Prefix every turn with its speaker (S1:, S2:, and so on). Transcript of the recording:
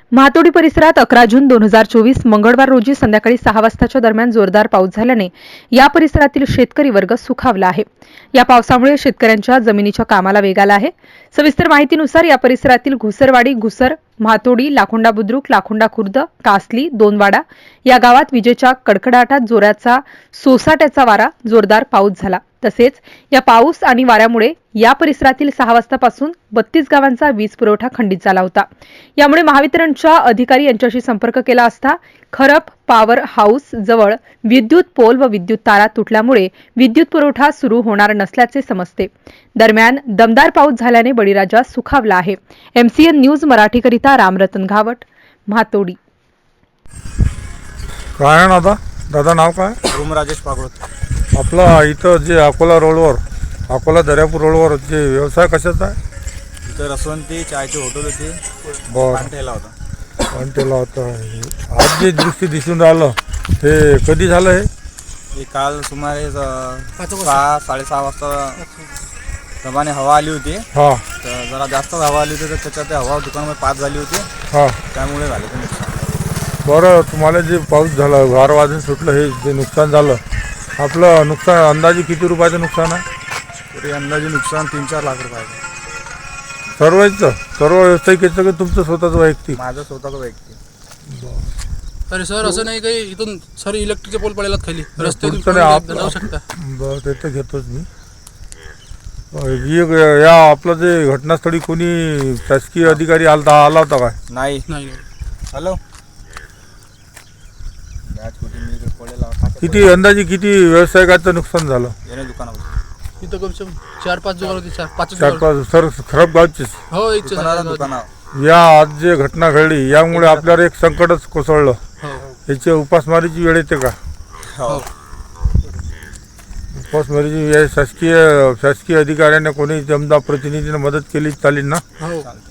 S1: महातोडी परिसरात 11 जून 2024 मंगळवार रोजी संध्याकाळी 6 वाजताच्या दरम्यान जोरदार पाऊस झाल्याने या परिसरातील शेतकरी वर्ग सुखावला आहे. या पावसामुळे शेतकऱ्यांच्या जमिनीच्या कामाला वेग आला आहे. सविस्तर माहितीनुसार या परिसरातील घुसरवाडी, घुसर, महातोडी, लाखोंडा बुद्रुक, लाखोंडा खुर्द, कासली, दोनवाडा या गावात विजेच्या कडकडाटात जोराचा सोसाट्याचा वारा जोरदार पाऊस झाला. तसेच या पाऊस आणि वाऱ्यामुळे या परिसरातील 6 वाजतापासून 32 गावांचा वीज पुरवठा खंडित झाला होता. यामुळे महावितरणच्या अधिकारी यांच्याशी संपर्क केला असता खरप पॉवर हाऊस जवळ विद्युत पोल व विद्युत तारा तुटल्यामुळे विद्युत पुरवठा सुरू होणार नसल्याचे समजते. दरम्यान दमदार पाऊस झाल्याने बळीराजा सुखावला आहे. MCN न्यूज मराठीकरिता रामरतन घावट, महातोडी.
S2: काय ना दादा नाव काय?
S3: रूम राजेश पागोत.
S2: आपला इथं जे अकोला रोडवर, अकोला दर्यापूर रोडवर जे व्यवसाय कशाचा आहे?
S3: इथं रसवंती चायची हॉटेल होती.
S2: बरं,
S3: पानठेला होता.
S2: पण त्याला आता आज जे दृष्टी दिसून राहिलं हे कधी झालं?
S3: हे काल सुमारे 6-6:30 वाजता प्रमाणे हवा आली होती.
S2: हां
S3: तर जरा जास्त हवा आली होती, तर त्याच्यात हवा दुकानामध्ये पास झाली होती.
S2: हां
S3: त्यामुळे झालं ते नुकसान.
S2: बरं, तुम्हाला जे पाऊस झाला, गार वाजून सुटलं, हे जे नुकसान झालं, आपलं नुकसान अंदाजे किती रुपयाचं नुकसान आहे?
S3: तरी अंदाजे नुकसान 3-4 लाख रुपयाचं.
S2: सर्व व्यावसायिकाचं की तुमचं स्वतःचं वैयक्तिक?
S3: माझं स्वतःचं वैयक्तिक.
S4: अरे सर, असं नाही काही इथून सर इलेक्ट्रिकचे पोल पडलेला खाली रस्त्यातून जाऊ शकता.
S2: बरं, ते तर घेतोच मी. या आपलं जे घटनास्थळी कोणी शासकीय अधिकारी आला होता काय?
S3: नाही.
S4: नाही
S3: हॅलो.
S2: किती अंदाजे किती व्यावसायिकाचं नुकसान झालं?
S3: येणे दुकानावर.
S4: इथं कमसे कम 4-5 जुगार होती. 4-5
S2: 4-5 सर खराब गावचीच.
S4: हो, इथचे
S3: दुकानावर.
S2: या आज जे घटना घडली यामुळे आपल्यावर एक संकटच कोसळलं.
S4: हो
S2: याची उपासमारीची वेळ येते का?
S3: हो.
S2: उपासमारीची वेळ शासकीय अधिकाऱ्यांना कोणी जमदा प्रतिनिधीने मदत केली चालेल ना?
S4: हो.